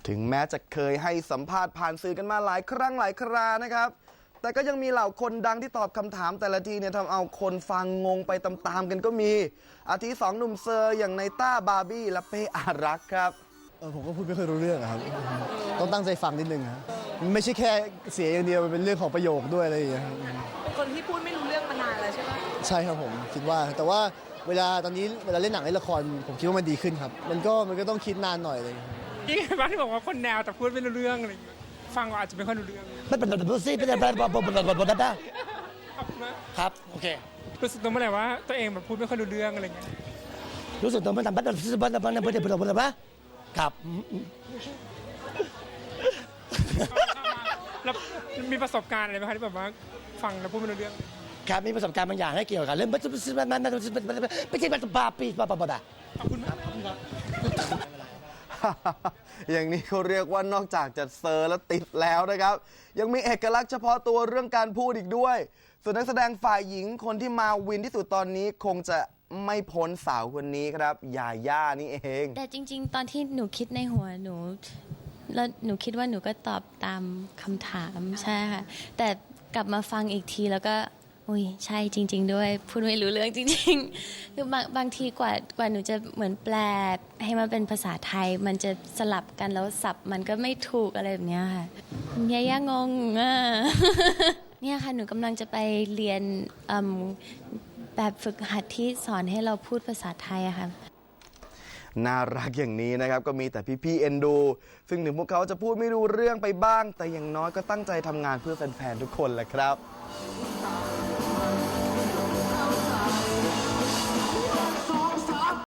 ถึงแม้จะเคยให้สัมภาษณ์ผ่านสื่อกันมาหลายครั้งหลายครานะครับแต่ก็ยังมีเหล่าคนดังที่ตอบคำถามแต่ละทีเนี่ยทำเอาคนฟังงงไปตามๆกันก็มีอาทิสองหนุ่มเซอร์อย่างในต้าบาร์บี้และเป้อารักษ์ครับผมก็พูดไม่ค่อยรู้เรื่องครับต้องตั้งใจฟังนิดนึงครับมันไม่ใช่แค่เสียอย่างเดียวมันเป็นเรื่องของประโยคด้วยอะไรอย่างเงี้ยครับเป็นคนที่พูดไม่รู้เรื่องมานานแล้วใช่ไหมใช่ครับผมคิดว่าแต่ว่าเวลาตอนนี้เวลาเล่นหนังเล่นละครผมคิดว่ามันดีขึ้นครับมันก็ต้องคิดนานหน่อยเลยยิ่งบ้านที่บอกว่าคนแนวแต่พูดไม่รู้เรื่องอะไรอย่างเงี้ยฟังก็อาจจะไม่ค่อยรู้เรื่องไม่เป็นแบบซี่เป็นแบบครับโอเครู้สึกตัวเมื่อไหร่ว่าตัวเองแบบพูดไม่ค่อยรู้เรื่องอะไรเงี้ยรู้สึกตัวมันทำแบบครับแล้วมีประสบการณ์อะไรไหมคะที่แบบว่าฟังแล้วพูดไม่รู้เรื่องครับมีประสบการณ์บางอย่างให้เกี่ยวกับเรื่องไม่ใช่แบบปาปีปาขอบคุณมากครับอย่างนี้เขาเรียกว่านอกจากจะเซอร์และติดแล้วนะครับยังมีเอกลักษณ์เฉพาะตัวเรื่องการพูดอีกด้วยส่วนนักแสดงฝ่ายหญิงคนที่มาวินที่สุดตอนนี้คงจะไม่พ้นสาวคนนี้ครับยาย่านี่เองแต่จริงๆตอนที่หนูคิดในหัวหนูแล้วหนูคิดว่าหนูก็ตอบตามคำถามใช่ค่ะแต่กลับมาฟังอีกทีแล้วก็อุ้ยใช่จริงๆด้วยพูดไม่รู้เรื่องจริงๆคือบางทีกว่าหนูจะเหมือนแปลให้มันเป็นภาษาไทยมันจะสลับกันแล้วสับมันก็ไม่ถูกอะไรแบบนี้ค่ะยาย่างงเนี่ยค่ะหนูกำลังจะไปเรียนแบบฝึกหัดที่สอนให้เราพูดภาษาไทยอะค่ะน่ารักอย่างนี้นะครับก็มีแต่พี่ๆเอ็นดูซึ่งถึงพวกเขาจะพูดไม่รู้เรื่องไปบ้างแต่อย่างน้อยก็ตั้งใจทำงานเพื่อแฟนๆทุกคนแหละครับ